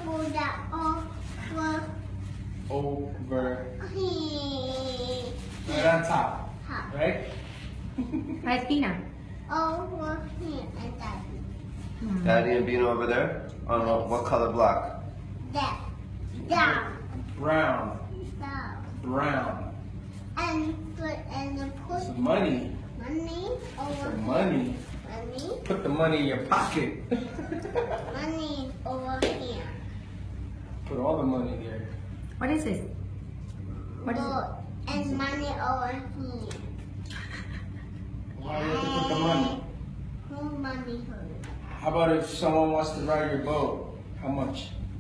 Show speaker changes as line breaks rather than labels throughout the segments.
Buddha
Over.
here.
Right on top. Right?
Right, Tina?
Over here and Daddy.
Daddy and Bino over there? On what color block?
That. Down.
Brown.
Down.
Brown.
And put
Some money.
money over
Some money.
money.
Put the money in your pocket.
Money over here.
Put all the money there.
What is this? What is it?
Gold. And money over here.
Why do you have to put the money?
Who money hurt?
How about if someone wants to ride your boat? How much?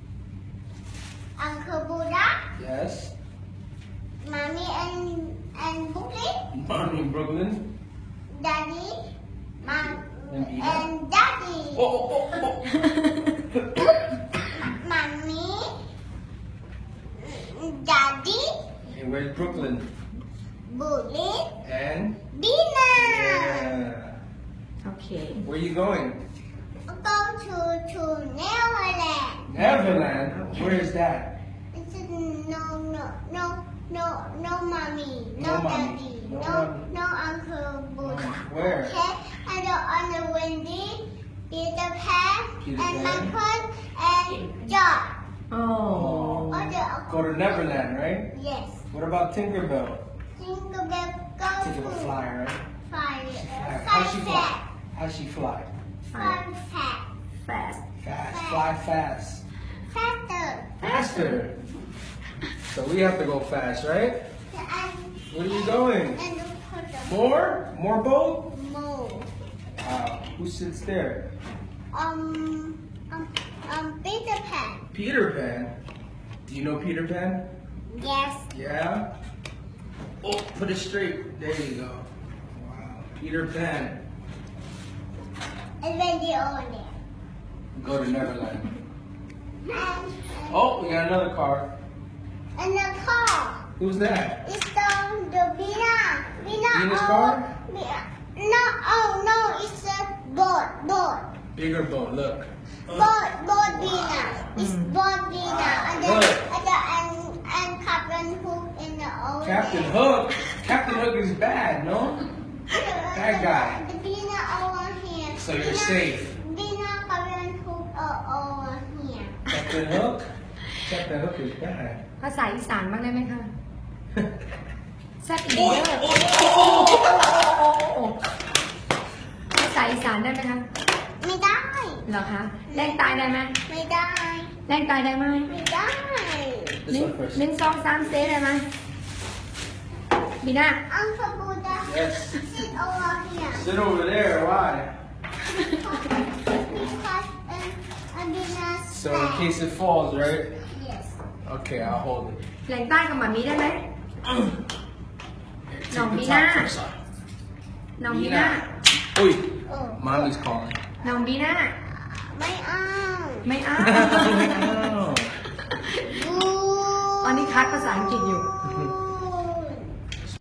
Uncle Buddha,
Yes.
Mommy and Brooklyn,
Mommy in Brooklyn.
Daddy, Mom
And Ina.
and Daddy.
Oh, oh, oh.
Mommy, Daddy,
And where's Brooklyn?
Bully,
And?
Bina.
Yeah.
Okay.
Where you going?
Go to Neverland.
Neverland. Where is that?
It's no mommy,
No mommy.
daddy,
No
no
mommy.
Uncle Buddha.
Where?
Okay, and on the Wendy, Peter Pan,
Peter
and
Pan.
Michael, and John.
Oh.
Go to Neverland, right?
Yes.
What about Tinkerbell?
Tinkerbell go
Tinkerbell
to
fly, right?
fire.
How's she fly? How's she fly?
Fun fact.
Fast.
Fast. Fly fast.
Faster.
Faster. So we have to go fast, right?
And
Where are you going?
and put the
More? More boat?
move.
Wow. Who sits there?
Peter Pan.
Peter Pan. Do you know Peter Pan?
Yes.
Yeah? Oh, put it straight. There you go. Wow. Peter Pan.
And then the over there.
Go to Neverland.
And
Oh, we got another car.
and the car.
Who's that?
It's the Bina.
Bina's car?
No, oh no, it's a boat.
Bigger boat, look.
Boat Bina. It's boat Bina.
Look.
And Captain Hook in the over
Captain
there.
Hook. Captain Hook is bad, no? Bad guy.
The Bina over here.
So you're safe.
Bina, Captain Hook over here.
Captain Hook? Captain Hook is bad.
ภาษาอีสานบ้างได้ไหมคะแซ่บอีก
โอ้
เด้
ย
อ
โอ้ย
ภาษาอีสานได้ไหมคะ
ไม่ได้
เหรอคะแรงตายได้ไหม
ไม่ได้
แรงตายได้ไหม
ไม่ได้
This one first.
หนึ่งสองสามเซได้ไหมบีน่า
Uncle Buddha,
Yes.
sit over here.
Sit over there. Why?
Because Bina's
So in case it falls, right?
Yes.
Okay, I'll hold it.
แรงใต้กับหมามีได้ไหม
Here,
No,
take the
Mina.
top first.
น้องบีน่า
Oi,
Oh.
mommy's calling.
น้องบีน่า
ไม่เอา
ไม่เอา
Oh.
ตอนนี้คัดภาษาอังกฤษอยู่
บู